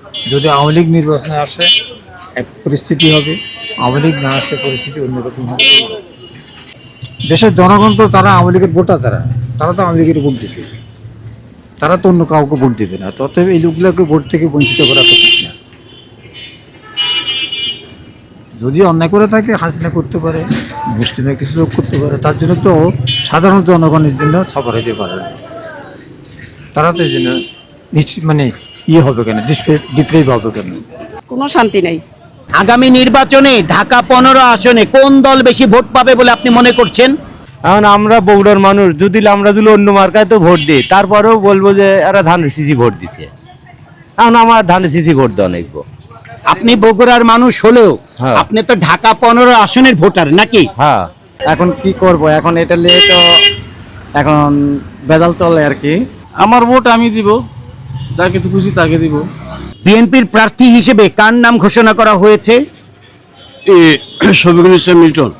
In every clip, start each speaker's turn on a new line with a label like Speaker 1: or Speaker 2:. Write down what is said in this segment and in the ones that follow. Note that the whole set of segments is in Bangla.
Speaker 1: যদি আওয়ামী লীগ নির্বাচনে আসে এক পরিস্থিতি হবে, আওয়ামী লীগ না আসলে পরিস্থিতি অন্যরকম হবে। দেশের জনগণ তো তারা আওয়ামী লীগের ভোটার, তারা তো আওয়ামী লীগের ভোট দিবে, তারা তো অন্য কাউকে ভোট দিবে না। ততএব এই লোকগুলোকে ভোট থেকে বঞ্চিত করা তো ঠিক না। যদি অন্যায় করে থাকে হাসিনা করতে পারে, মুসলিমের কিছু লোক করতে পারে, তার জন্য তো সাধারণ জনগণের জন্য সফর হতে পারে না। তারা তো এই জন্য মানে হবে কেন, ডিপ্রেভ হবে কেন?
Speaker 2: কোনো শান্তি নেই।
Speaker 3: আগামী নির্বাচনে ঢাকা 15 আসনে কোন দল বেশি ভোট পাবে বলে আপনি মনে করছেন?
Speaker 4: এখন আমরা বগুড়ার মানুষ, আমরা যদি অন্য মার্কায় তো ভোট দিই, তারপরেও বলবো যে এরা ধানের সিসি ভোট দিছে। এখন আমার ধানের সিসি ভোট দেওয়া নেবো।
Speaker 3: আপনি বগুড়ার মানুষ হলেও আপনি তো ঢাকা 15 আসনের ভোটার নাকি?
Speaker 4: হ্যাঁ।
Speaker 5: এখন কি করব, এখন এটা নিয়ে তো এখন বেজাল চলে আর কি।
Speaker 6: আমার ভোট আমি দিব, যাকে তো খুশি তাকে দিব।
Speaker 3: বিএনপির প্রার্থী হিসেবে কার নাম ঘোষণা করা হয়েছে?
Speaker 6: শফিকুল ইসলাম মিল্টন।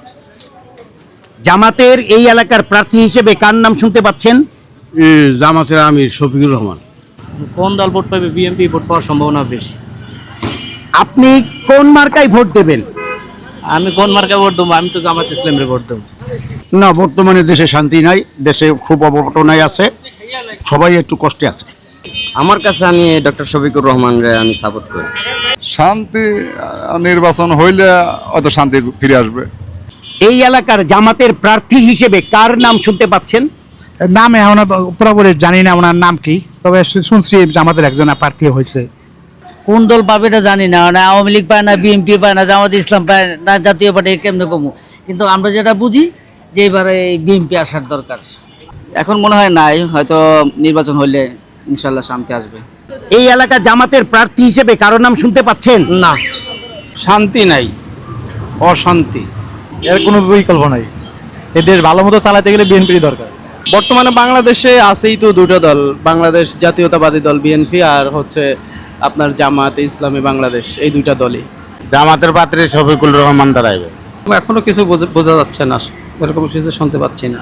Speaker 3: জামাতের এই এলাকার প্রার্থী হিসেবে কার নাম শুনতে পাচ্ছেন?
Speaker 6: জামাতের আমির শফিকুর রহমান।
Speaker 5: কোন দল ভোট পাবে? বিএনপি ভোট পাওয়ার সম্ভাবনা বেশি।
Speaker 3: আপনি কোন মার্কায় ভোট দেবেন?
Speaker 5: আমি কোন মার্কায় ভোট দেবো? আমি তো জামাত ইসলামের ভোট দেবো।
Speaker 6: না, বর্তমানে দেশে শান্তি নাই, দেশে খুব অবটনায় আছে, সবাই একটু কষ্টে আছে।
Speaker 7: আমার কাছে আমি ডক্টর শফিকুর রহমানরে আমি সাপোর্ট করি।
Speaker 8: শান্তি নির্বাচন হইলে হয়তো শান্তি ফিরে আসবে।
Speaker 3: এই এলাকার জামাতের প্রার্থী হিসেবে কার নাম শুনতে পাচ্ছেন?
Speaker 9: নাম এখন পুরোপুরি জানি না ওনার নাম কি, তবে শুনছি জামাতের একজন প্রার্থী হয়েছে।
Speaker 2: কোন দল পাবে এটা জানি না, না আওয়ামী লীগ পায় না, বিএনপি পায় না, জামাত ইসলাম পায় না, জাতীয় পার্টি কেমনে কমু। কিন্তু আমরা যেটা বুঝি যে এবারে বিএনপি আসার দরকার।
Speaker 5: এখন মনে হয় নাই, হয়তো নির্বাচন হইলে ইনশাল্লাহ শান্তি আসবে।
Speaker 3: এই এলাকা জামাতের প্রার্থী হিসেবে কারো নাম শুনতে পাচ্ছেন?
Speaker 5: না, শান্তি নাই, অশান্তি।
Speaker 4: এর কোনো বিকল্প নাই। এদের ভালো মতো চালাতে গেলে বিএনপির দরকার।
Speaker 5: বর্তমানে বাংলাদেশে আছেই তো দুটো দল, বাংলাদেশ জাতীয়তাবাদী দল বিএনপি আর হচ্ছে আপনার জামাত ইসলামী বাংলাদেশ, এই দুইটা দলই।
Speaker 6: জামাতের পাত্রে শফিকুল রহমান দাঁড়াইবে।
Speaker 5: এখনো কিছু বোঝা যাচ্ছে না, এরকম কিছু শুনতে পাচ্ছি না।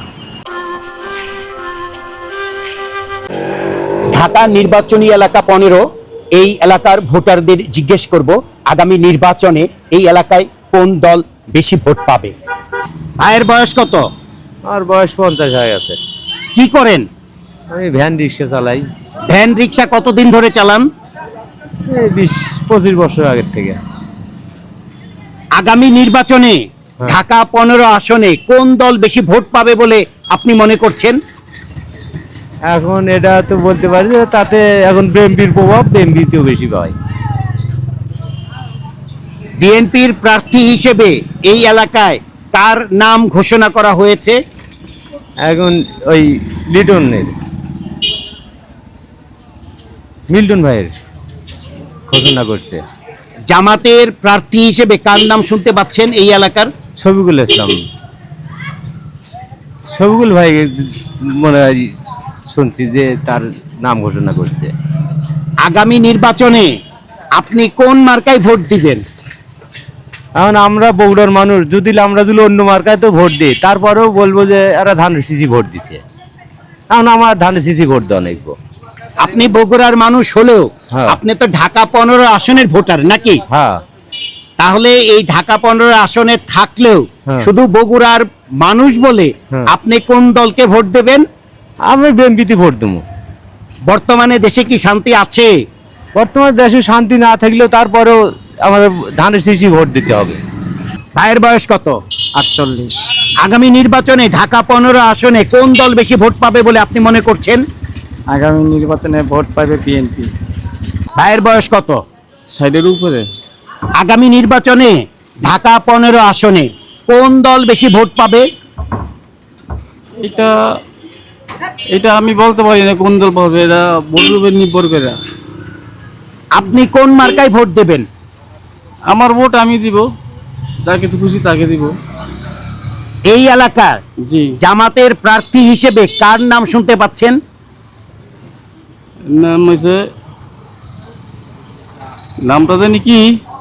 Speaker 3: ঢাকা নির্বাচনী এলাকা 15, এই এলাকার ভোটারদের জিজ্ঞেস করব আগামী নির্বাচনে এই এলাকায় কোন দল বেশি ভোট পাবে। ভাইয়ের বয়স কত?
Speaker 4: আমার বয়স 50 হয়ে গেছে।
Speaker 3: কি করেন?
Speaker 4: আমি ভ্যান রিক্সা চালাই।
Speaker 3: ভ্যান রিক্সা কতদিন ধরে চালান?
Speaker 4: 20-25 বছর আগের থেকে।
Speaker 3: আগামী নির্বাচনে ঢাকা 15 আসনে কোন দল বেশি ভোট পাবে বলে আপনি মনে করছেন?
Speaker 4: এখন এটা তো বলতে পারি যে তাতে এখন বিএনপির প্রভাব বিএনপিতেও বেশি পায়।
Speaker 3: বিএনপির প্রার্থী হিসেবে এই এলাকায় কার নাম ঘোষণা করা হয়েছে?
Speaker 4: এখন ওই মিল্টন ভাইয়ের ঘোষণা করছে।
Speaker 3: জামাতের প্রার্থী হিসেবে কার নাম শুনতে পাচ্ছেন এই এলাকার?
Speaker 4: শফিকুল ইসলাম। শফিকুল ভাই মনে হয় শুনছি যে তার নাম ঘোষণা করছে।
Speaker 3: আগামী নির্বাচনে আপনি কোন মার্কায় ভোট দিবেন?
Speaker 4: এখন আমরা বগুড়ার মানুষ, আমরা যদি অন্য মার্কায় তো ভোট দিই, তারপরেও বলবো যে এরা ধানের সিসি ভোট দিছে। এখন আমার ধানের সিসি ভোট দেওয়া নেবো।
Speaker 3: আপনি বগুড়ার মানুষ হলেও আপনি তো ঢাকা 15 আসনের ভোটার নাকি?
Speaker 4: হ্যাঁ।
Speaker 3: তাহলে এই ঢাকা 15 আসনে থাকলেও শুধু বগুড়ার মানুষ বলে আপনি কোন দলকে ভোট দেবেন?
Speaker 4: আমি বিএনপিতে ভোট দেবো।
Speaker 3: বর্তমানে দেশে কি শান্তি আছে?
Speaker 4: বর্তমানে দেশে শান্তি না থাকলেও তারপরেও আমাদের ধানের সিসি ভোট দিতে হবে।
Speaker 3: ভাইয়ের বয়স কত?
Speaker 5: 48।
Speaker 3: আগামী নির্বাচনে ঢাকা 15 আসনে কোন দল বেশি ভোট পাবে বলে আপনি মনে করছেন?
Speaker 5: আগামী নির্বাচনে ভোট পাবে বিএনপি।
Speaker 3: ভাইয়ের বয়স কত?
Speaker 6: 60-এর উপরে।
Speaker 3: আগামী নির্বাচনে ঢাকা 15 আসনে কোন দল বেশি ভোট পাবে?
Speaker 6: এটা আমি বলতে পারি না কোন দল পাবে, এটা ভোটের নির্ভর করে।
Speaker 3: আপনি কোন মার্কায় ভোট দেবেন?
Speaker 6: আমার ভোট আমি দিব, যাকে তো খুশি তাকে দিব।
Speaker 3: এই এলাকার জামাতের প্রার্থী হিসেবে কার নাম শুনতে পাচ্ছেন?
Speaker 6: নাম হয়েছে, নামটা জানি কি,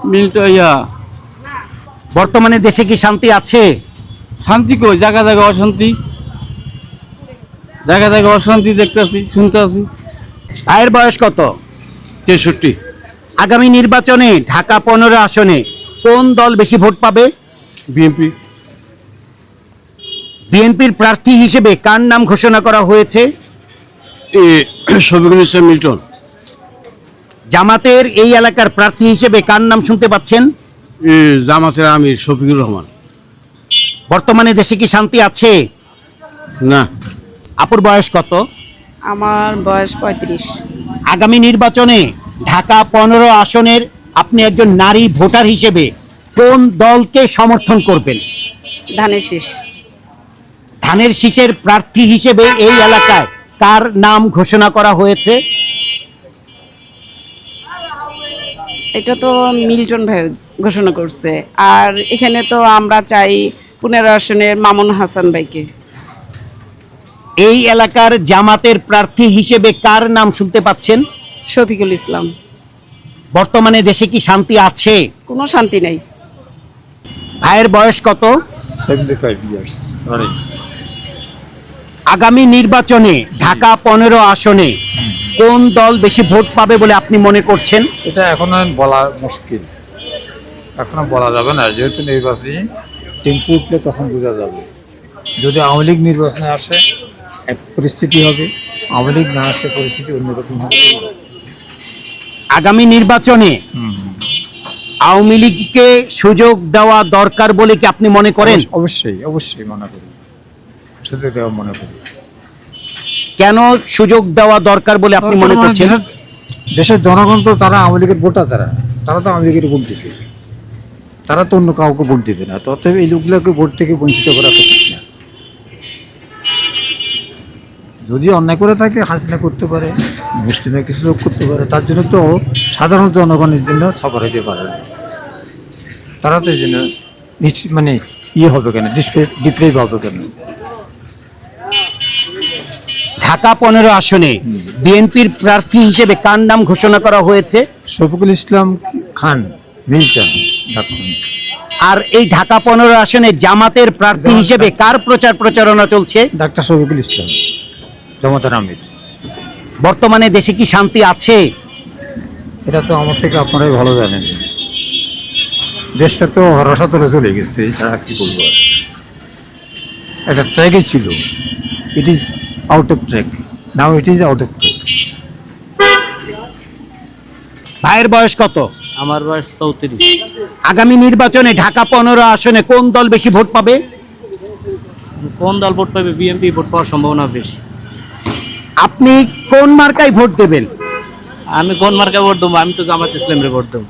Speaker 3: বর্তমানে দেশে কি শান্তি আছে?
Speaker 6: শান্তি কই, জায়গা জায়গা অশান্তি, জায়গা জায়গা অশান্তি দেখতে আছি, শুনতে আছি।
Speaker 3: ভাইয়ের বয়স কত?
Speaker 6: 63।
Speaker 3: আগামী নির্বাচনে ঢাকা 15 আসনে কোন দল বেশি ভোট পাবে?
Speaker 6: বিএনপি।
Speaker 3: বিএনপির প্রার্থী হিসেবে কার নাম ঘোষণা করা হয়েছে?
Speaker 6: শফিকুল ইসলাম মিল্টন।
Speaker 3: জামাতের এই এলাকার প্রার্থী হিসেবে কার নাম শুনতে পাচ্ছেন?
Speaker 6: জামাতের আমির শফিকুর রহমান।
Speaker 3: বর্তমানে দেশে কি শান্তি আছে?
Speaker 6: না।
Speaker 3: আপুর বয়স কত?
Speaker 10: আমার বয়স 35।
Speaker 3: আগামী নির্বাচনে ঢাকা 15 আসনের আপনি একজন নারী ভোটার হিসেবে কোন দলকে সমর্থন করবেন?
Speaker 10: ধানের শীষ।
Speaker 3: ধানের শীষের প্রার্থী হিসেবে এই এলাকায় কার নাম ঘোষণা করা হয়েছে?
Speaker 10: এটা তো মিল্টন ভাই ঘোষণা করছে, আর এখানে তো আমরা চাই 15 আসনের মামুন হাসান ভাইকে।
Speaker 3: এই এলাকার জামাতের প্রার্থী হিসেবে কার নাম শুনতে পাচ্ছেন?
Speaker 10: শফিকুল ইসলাম।
Speaker 3: বর্তমানে দেশে কি শান্তি আছে?
Speaker 10: কোনো শান্তি নাই।
Speaker 3: ভাইয়ের বয়স কত?
Speaker 1: 75 ইয়ার্স।
Speaker 3: আগামী নির্বাচনে ঢাকা 15 আসনে কোন দল বেশি ভোট পাবে বলে আপনি মনে করছেন?
Speaker 1: এটা এখনো বলা মুশকিল, এখনো বলা যাবে না, যেহেতু নির্বাচনী টেম্পু উঠলে তখন বোঝা যাবে। যদি আওয়ামী লীগ নির্বাচনে আসে এক পরিস্থিতি হবে, আওয়ামী লীগ না আসলে পরিস্থিতি অন্যরকম হবে।
Speaker 3: আগামী নির্বাচনে আওয়ামী লীগকে সুযোগ দেওয়া দরকার বলে কি আপনি মনে করেন?
Speaker 1: অবশ্যই অবশ্যই মনে করি, সুযোগ দেওয়া মনে করি।
Speaker 3: কেন সুযোগ দেওয়া দরকার বলে আপনি মনে করছেন?
Speaker 1: দেশের জনগণ তো তারা আওয়ামী লীগের ভোটার, তারা তো আওয়ামী লীগের ভোট দিবে, তারা তো অন্য কাউকে ভোট দিবে না। তথাপি এই লোকগুলোকে ভোট থেকে বঞ্চিত করা উচিত না। যদি অন্যায় করে থাকে হাসিনা করতে পারে, মুসলিমে কিছু লোক করতে পারে, তার জন্য তো সাধারণ জনগণের জন্য সফর হতে পারে না। তারা তো এই জন্য মানে ইয়ে হবে কেন, ডিপ্রেভ হবে কেন?
Speaker 3: ঢাকা 15 আসনে বিএনপির প্রার্থী হিসেবে কার নাম ঘোষণা করা হয়েছে?
Speaker 1: শফিকুল ইসলাম খান মিল্টন।
Speaker 3: আর এই ঢাকা 15 আসনে জামাতের প্রার্থী হিসেবে কার প্রচার প্রচারণা চলছে?
Speaker 1: ডাক্তার শফিকুল ইসলাম, জামাতের আমির।
Speaker 3: বর্তমানে দেশে কি শান্তি আছে?
Speaker 1: এটা তো আমার থেকে আপনারাই ভালো জানেন। দেশটা তো হরসাতলে চলে গেছে, এছাড়া কি বলবো। একটা ট্র্যাকই ছিল, it is out of track, now it is out of track.
Speaker 3: ভাইয়ের বয়স কত?
Speaker 4: আমার বয়স 34।
Speaker 3: আগামী নির্বাচনে ঢাকা 15 আসনে কোন দল বেশি ভোট পাবে?
Speaker 4: কোন দল ভোট পাবে? বিএনপি ভোট পাওয়ার সম্ভাবনা বেশি।
Speaker 3: আপনি কোন মার্কায় ভোট দেবেন?
Speaker 4: আমি কোন মার্কায় ভোট দেবো? আমি তো জামাত ইসলামের ভোট দেবো।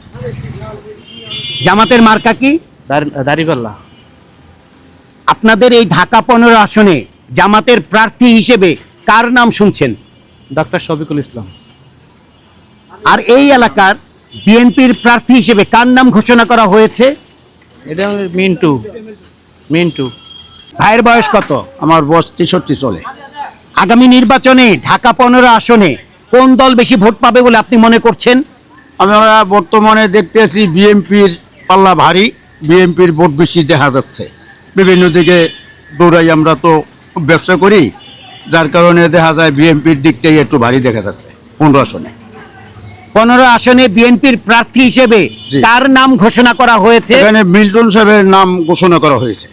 Speaker 3: জামাতের মার্কা কি?
Speaker 4: দাড়িপাল্লা।
Speaker 3: আপনাদের এই ঢাকা 15 আসনে জামাতের প্রার্থী হিসেবে কার নাম শুনছেন?
Speaker 4: ডক্টর শফিকুল ইসলাম।
Speaker 3: আর এই এলাকার বিএনপির প্রার্থী হিসেবে কার নাম ঘোষণা করা হয়েছে?
Speaker 4: এটা মিন্টু।
Speaker 3: ভাইয়ের বয়স কত?
Speaker 6: আমার বয়স 63 চলে।
Speaker 3: আগামী নির্বাচনে ঢাকা 15 আসনে কোন দল বেশি ভোট পাবে বলে আপনি মনে করছেন?
Speaker 6: আমরা বর্তমানে দেখতেছি বিএনপির পাল্লা ভারী, বিএনপির ভোট বেশি দেখা যাচ্ছে। বিভিন্ন দিকে দৌড়াই, আমরা তো ব্যবসা করি, যার কারণে দেখা যায় বিএনপির দিকটাই একটু ভারী দেখা যাচ্ছে 15 আসনে।
Speaker 3: 15 আসনে বিএনপির প্রার্থী হিসেবে
Speaker 6: জি।
Speaker 3: কার নাম ঘোষণা করা হয়েছে?
Speaker 6: এখানে মিল্টন সাহেবের নাম ঘোষণা করা হয়েছে।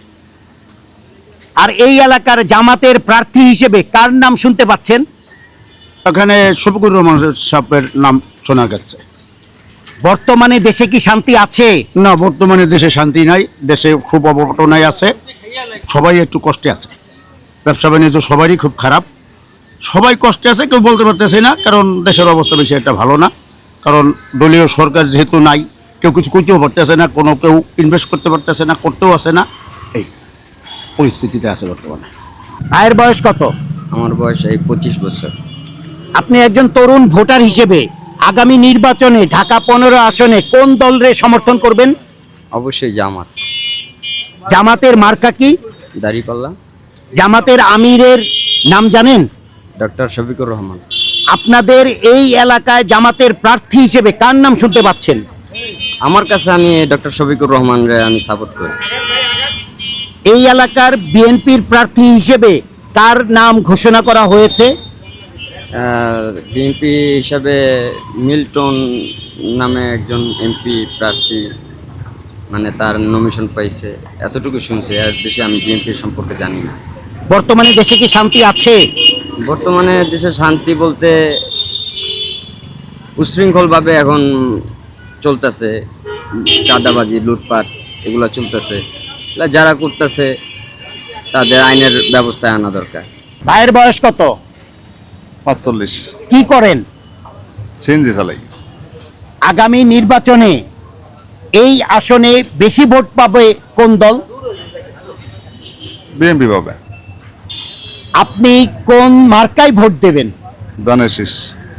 Speaker 3: আর এই এলাকার জামাতের প্রার্থী হিসেবে কার নাম শুনতে পাচ্ছেন?
Speaker 6: এখানে শফিকুর রহমান সাহেবের নাম শোনা গেছে।
Speaker 3: বর্তমানে দেশে কি শান্তি আছে?
Speaker 6: না, বর্তমানে দেশে শান্তি নাই, দেশে খুব অবটনায় আছে, সবাই একটু কষ্টে আছে। ব্যবসা বাণিজ্য সবারই খুব খারাপ, সবাই কষ্টে আছে, কেউ বলতে পারতেছে না, কারণ দেশের অবস্থা বেশি একটা ভালো না। কারণ দলীয় সরকার যেহেতু নাই, কেউ কিছু করতেও পারতেছে না, কোনো কেউ ইনভেস্ট করতে পারতেছে না, করতেও আসে না, এই পরিস্থিতিতে আছে বর্তমানে।
Speaker 3: ভাইয়ের বয়স কত?
Speaker 7: আমার বয়স এই 25 বছর।
Speaker 3: আপনি একজন তরুণ ভোটার হিসেবে আগামী নির্বাচনে ঢাকা 15 আসনে কোন দলরে সমর্থন করবেন?
Speaker 7: অবশ্যই জামাত।
Speaker 3: জামাতের মার্কা কি?
Speaker 7: দাড়িপাল্লা।
Speaker 3: জামাতের আমিরের নাম জানেন?
Speaker 7: ডক্টর শফিকুর রহমান।
Speaker 3: আপনাদের এই এলাকায় জামাতের প্রার্থী হিসেবে কার নাম শুনতে পাচ্ছেন?
Speaker 7: আমার কাছে আমি ডক্টর শফিকুর রহমানরে আমি সাপোর্ট করি।
Speaker 3: এই এলাকার বিএনপির প্রার্থী হিসেবে কার নাম ঘোষণা করা হয়েছে?
Speaker 7: বিএনপি হিসাবে মিল্টন নামে একজন এমপি প্রার্থী, মানে তার নমিনেশন পাইছে, এতটুকু শুনছি। আর বেশি আমি বিএনপি সম্পর্কে জানি না।
Speaker 3: বর্তমানে দেশে কি শান্তি আছে?
Speaker 7: বর্তমানে দেশে শান্তি বলতে উশৃঙ্খলভাবে এখন চলতেছে, চাঁদাবাজি, লুটপাট এগুলো চলতেছে। যারা করতেছে তাদের আইনের ব্যবস্থায় আনা দরকার।
Speaker 3: ভাইয়ের বয়স কত?
Speaker 8: 45।
Speaker 3: কি করেন?
Speaker 8: সিএনজি চালাই।
Speaker 3: আগামী নির্বাচনে এই আসনে বেশি ভোট পাবে কোন দল?
Speaker 8: বিএনপি পাবে।
Speaker 3: আপনি কোন মার্কায় ভোট দেবেন?
Speaker 8: ধানের শীষ।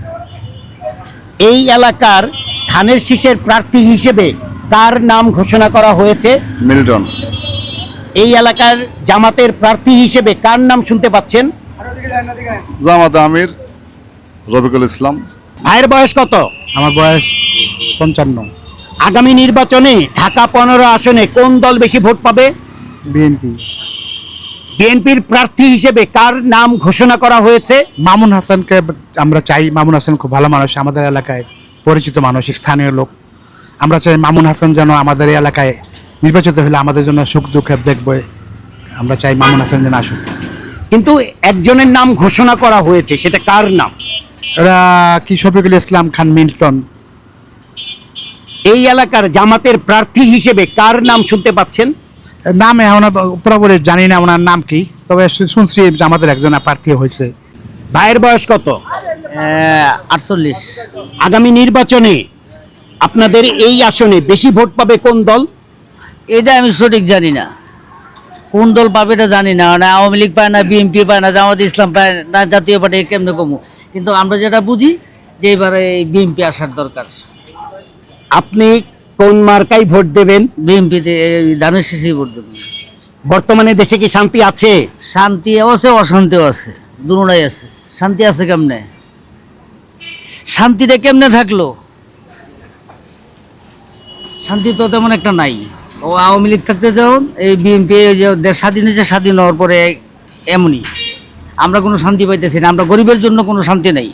Speaker 3: এই এলাকার ধানের শীষের প্রার্থী হিসেবে কার নাম ঘোষণা করা হয়েছে?
Speaker 8: মিল্টন।
Speaker 3: এই এলাকার জামাতের প্রার্থী হিসেবে কার নাম শুনতে পাচ্ছেন?
Speaker 8: জামাতে আমির রফিকুল ইসলাম।
Speaker 3: ভাইয়ের বয়স কত?
Speaker 9: আমার বয়স 55।
Speaker 3: আগামী নির্বাচনে ঢাকা 15 আসনে কোন দল বেশি ভোট পাবে?
Speaker 9: বিএনপি।
Speaker 3: বিএনপির প্রার্থী হিসেবে কার নাম ঘোষণা করা হয়েছে?
Speaker 9: মামুন হাসানকে আমরা চাই। মামুন হাসান খুব ভালো মানুষ, আমাদের এলাকায় পরিচিত মানুষ, স্থানীয় লোক। আমরা চাই মামুন হাসান যেন আমাদের এই এলাকায় নির্বাচিত হলে আমাদের জন্য সুখ দুঃখে দেখবে। আমরা চাই মামুন হাসান যেন আসুক।
Speaker 3: কিন্তু একজনের নাম ঘোষণা করা হয়েছে, সেটা কার নাম?
Speaker 9: এরা কি শফিকুল ইসলাম খান মিল্টন।
Speaker 3: এই এলাকার জামাতের প্রার্থী হিসেবে কার নাম শুনতে পাচ্ছেন?
Speaker 9: নাম এখন পুরোপুরি জানি না ওনার নাম কি, তবে শুনছি জামাতের একজন প্রার্থী হয়েছে।
Speaker 3: ভাইয়ের বয়স কত?
Speaker 2: 48।
Speaker 3: আগামী নির্বাচনে আপনাদের এই আসনে বেশি ভোট পাবে কোন দল?
Speaker 2: এটা আমি সঠিক জানি না, কোন দল পাবে এটা জানি না। না আওয়ামী লীগ পায় না, বিএনপি পায় না, জামাত ইসলাম পায় না, জাতীয় পার্টি, কেমনে কমু। কিন্তু আমরা যেটা বুঝি যে এবারে বিএনপি আসার দরকার।
Speaker 3: আপনি কোন মার্কায় ভোট দেবেন?
Speaker 2: বিএনপিতে ধানের শীষেই ভোট দেবো।
Speaker 3: বর্তমানে দেশে কি শান্তি আছে?
Speaker 2: শান্তিও আছে, অশান্তিও আছে, দুটোই আছে। শান্তি আছে কেমনে? শান্তিটা কেমনে থাকলো? শান্তি তো তেমন একটা নাই। ও আওয়ামী লীগ থাকতে যেমন, এই বিএনপি যে দেশ স্বাধীন হয়েছে, স্বাধীন হওয়ার পরে এমনই। আমরা কোনো শান্তি পাইতেছি না। আমরা গরিবের জন্য কোনো শান্তি নেই,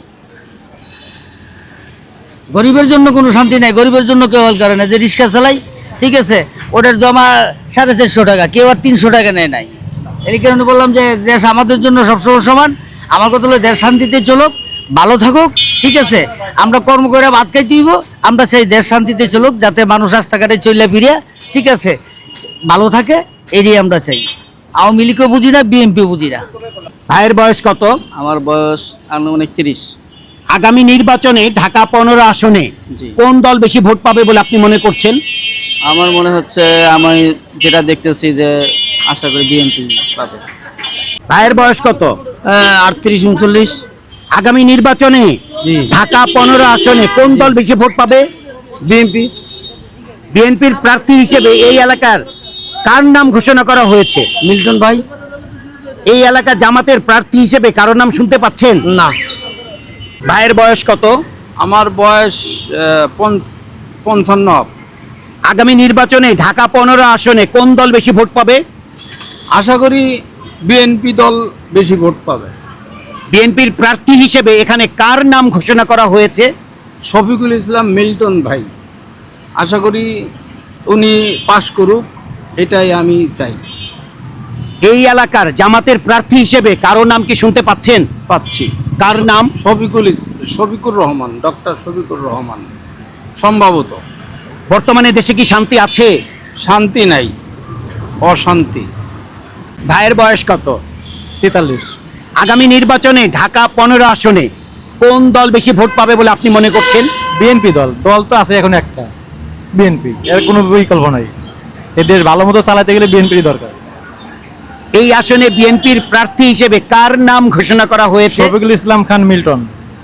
Speaker 2: গরিবের জন্য কোনো শান্তি নেই। গরিবের জন্য কেউ হল করে না। যে রিক্সা চালাই, ঠিক আছে, ওটার জমা 450 টাকা, কেউ আর 300 টাকা নেয় নাই। এই কারণে বললাম যে দেশ আমাদের জন্য সবসময় সমান। আমার কথা হলো দেশ শান্তিতে চলুক, ভালো থাকুক, ঠিক আছে। আমরা কর্ম করে ভাত খাইতে দিব, আমরা সেই দেশ শান্তিতে চলুক, যাতে মানুষ রাস্তাঘাটে চলে ফিরে, ঠিক আছে, ভালো থাকে, এটাই আমরা চাই। আওয়ামী লীগও বুঝি না, বিএনপিও বুঝি না।
Speaker 3: ভাইয়ের বয়স কত?
Speaker 5: আমার বয়স আনুমানিক 30।
Speaker 3: আগামী নির্বাচনে ঢাকা 15 আসনে কোন দল বেশি ভোট পাবে বলে আপনি মনে করছেন?
Speaker 5: আমার মনে হচ্ছে, আমি যেটা দেখতেছি যে আশা করি বিএনপি পাবে।
Speaker 3: ভাইয়ের বয়স কত?
Speaker 2: 38, 39।
Speaker 3: আগামী নির্বাচনে ঢাকা 15 আসনে কোন দল বেশি ভোট পাবে?
Speaker 2: বিএনপি।
Speaker 3: বিএনপির প্রার্থী হিসেবে এই এলাকার কার নাম ঘোষণা করা হয়েছে?
Speaker 2: মিল্টন ভাই।
Speaker 3: এই এলাকা জামাতের প্রার্থী হিসেবে কারো নাম শুনতে পাচ্ছেন?
Speaker 2: না।
Speaker 3: ভাইয়ের বয়স কত?
Speaker 5: আমার বয়স 55।
Speaker 3: আগামী নির্বাচনে ঢাকা 15 আসনে কোন দল বেশি ভোট পাবে?
Speaker 5: আশা করি বিএনপি দল বেশি ভোট পাবে।
Speaker 3: বিএনপির প্রার্থী হিসেবে এখানে কার নাম ঘোষণা করা হয়েছে?
Speaker 5: শফিকুল ইসলাম মিল্টন ভাই। আশা করি উনি পাশ করুক, এটাই আমি চাই।
Speaker 3: এই এলাকার জামাতের প্রার্থী হিসেবে কারো নাম কি শুনতে পাচ্ছেন?
Speaker 5: পাচ্ছি।
Speaker 3: কার নাম?
Speaker 5: শফিকুর রহমান, ডক্টর শফিকুর রহমান। সম্ভবত।
Speaker 3: বর্তমানে দেশে কি শান্তি আছে?
Speaker 5: শান্তি নাই, অশান্তি।
Speaker 3: ভাইয়ের বয়স কত?
Speaker 9: 43।
Speaker 3: আগামী নির্বাচনে ঢাকা 15 আসনে কোন দল বেশি ভোট পাবে বলে আপনি মনে করছেন?
Speaker 1: বিএনপি দল। দল তো আছে এখন একটা, বিএনপি, এর কোনো বিকল্প নাই। এই দেশ ভালো মতো চালাতে গেলে বিএনপির দরকার।
Speaker 3: এই আসনে বিএনপির প্রার্থী হিসেবে কার নাম ঘোষণা করা হয়েছে?
Speaker 1: শফিকুল ইসলাম খান মিল্টন।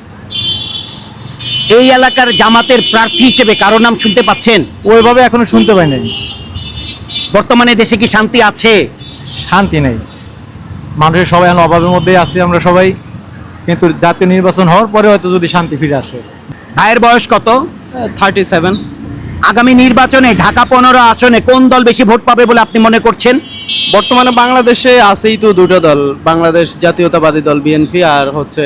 Speaker 3: এই এলাকার জামাতের প্রার্থী হিসেবে কারো নাম শুনতে পাচ্ছেন?
Speaker 1: ওইভাবে এখনো শুনতে পাই নাই।
Speaker 3: বর্তমানে দেশে কি শান্তি আছে?
Speaker 1: শান্তি নেই, মানুষের সবাই এখন অভাবের মধ্যেই আছি আমরা সবাই। কিন্তু জাতীয় নির্বাচন হওয়ার পরে হয়তো যদি শান্তি ফিরে আসে।
Speaker 3: ভাইয়ের বয়স কত?
Speaker 5: 37।
Speaker 3: আগামী নির্বাচনে ঢাকা 15 আসনে কোন দল বেশি ভোট পাবে বলে আপনি মনে করছেন?
Speaker 5: বর্তমানে বাংলাদেশে আছেই তো দুটো দল, বাংলাদেশ জাতীয়তাবাদী দল বিএনপি আর হচ্ছে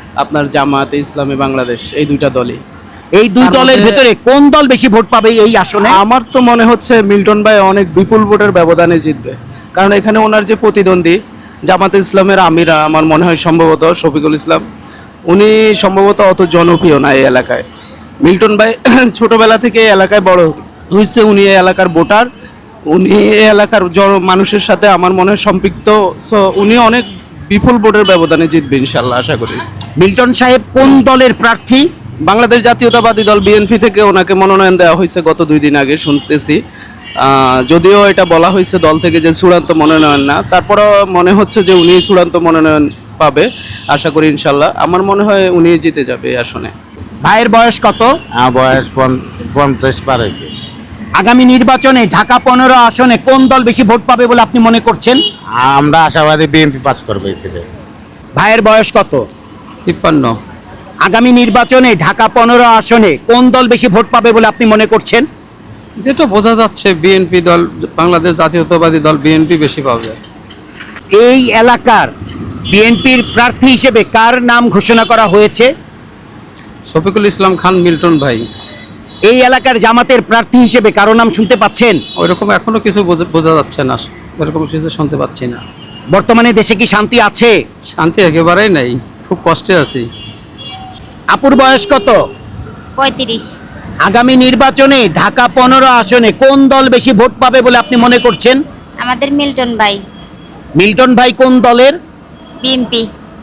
Speaker 5: আপনার জামাতে ইসলামী বাংলাদেশ, এই দুইটা দলই।
Speaker 3: এই দুই
Speaker 5: তার
Speaker 3: দলের
Speaker 5: মধ্যে-
Speaker 3: ভেতরে কোন দল বেশি ভোট পাবে এই আসনে?
Speaker 5: আমার তো মনে হচ্ছে মিল্টন ভাই অনেক বিপুল ভোটের ব্যবধানে জিতবে, কারণ এখানে ওনার যে প্রতিদ্বন্দ্বী জামাতে ইসলামের আমিরা, আমার মনে হয় সম্ভবত শফিকুল ইসলাম, উনি সম্ভবত অত জনপ্রিয় না এই এলাকায়। মিল্টন ভাই ছোটবেলা থেকে এই এলাকায় বড় হয়েছে, উনি এই এলাকার ভোটার, উনি এই এলাকার মানুষের সাথে আমার মনে হয় সম্পৃক্ত, সো উনি অনেক বিপুল ভোটের ব্যবধানে জিতবে ইনশাল্লাহ, আশা করি।
Speaker 3: মিল্টন সাহেব কোন দলের প্রার্থী?
Speaker 5: বাংলাদেশ জাতীয়তাবাদী দল বিএনপি থেকে ওনাকে মনোনয়ন দেওয়া হয়েছে গত 2 দিন আগে, শুনতেছি। যদিও এটা বলা হয়েছে দল থেকে যে চূড়ান্ত মনোনয়ন না, তারপরও মনে হচ্ছে যে উনি চূড়ান্ত মনোনয়ন পাবে, আশা করি ইনশাল্লাহ। আমার মনে হয় উনি জিতে যাবে এই আসনে।
Speaker 3: ভাইয়ের বয়স কত?
Speaker 4: বয়স 50 পার হয়েছে।
Speaker 3: আগামী নির্বাচনে ঢাকা 15 আসনে কোন দল বেশি ভোট পাবে বলে আপনি মনে করছেন?
Speaker 4: আমরা আশাবাদী বিএনপি পাস করবে।
Speaker 3: ভাইয়ের বয়স কত?
Speaker 5: 53।
Speaker 3: আগামী নির্বাচনে ঢাকা 15 আসনে কোন দল বেশি ভোট পাবে বলে আপনি মনে করছেন?
Speaker 5: যেটা বোঝা যাচ্ছে বিএনপি দল, বাংলাদেশ জাতীয়তাবাদী দল বিএনপি বেশি পাবে।
Speaker 3: এই এলাকার বিএনপির প্রার্থী হিসেবে কার নাম ঘোষণা করা হয়েছে?
Speaker 5: শফিকুল ইসলাম খান মিল্টন ভাই।
Speaker 3: এই এলাকার জামাতের প্রার্থী হিসেবে কারো নাম শুনতে পাচ্ছেন?
Speaker 5: ওইরকম এখনো কিছু বোঝা যাচ্ছে না, ওইরকম কিছু শুনতে পাচ্ছি না।
Speaker 3: বর্তমানে দেশে কি শান্তি আছে?
Speaker 5: শান্তি একেবারেই নাই, খুব কষ্টে আছি।
Speaker 3: আপুর বয়স কত?
Speaker 11: 35।
Speaker 3: আগামী নির্বাচনে ঢাকা 15 আসনে কোন দল বেশি ভোট পাবে বলে আপনি মনে করছেন?
Speaker 11: আমাদের মিল্টন ভাই,
Speaker 3: মিল্টন ভাই কোন দলের?
Speaker 11: বিএমপি।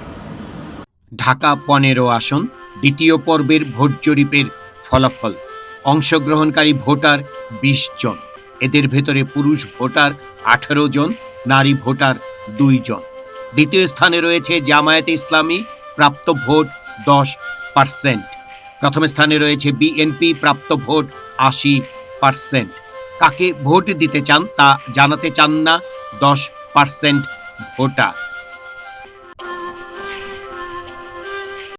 Speaker 3: ঢাকা 15 আসন দ্বিতীয় পর্বের ভোট জরিপের ফলাফল। অংশগ্রহণকারী ভোটার 20 জন, এদের ভেতরে পুরুষ ভোটার 18 জন, নারী ভোটার 2 জন। দ্বিতীয় স্থানে রয়েছে জামায়াতে ইসলামী, প্রাপ্ত ভোট 10%। প্রথম স্থানে রয়েছে বিএনপি, প্রাপ্ত ভোট 80%। কাকে ভোট দিতে চান তা জানাতে চান না 10% ভোটার।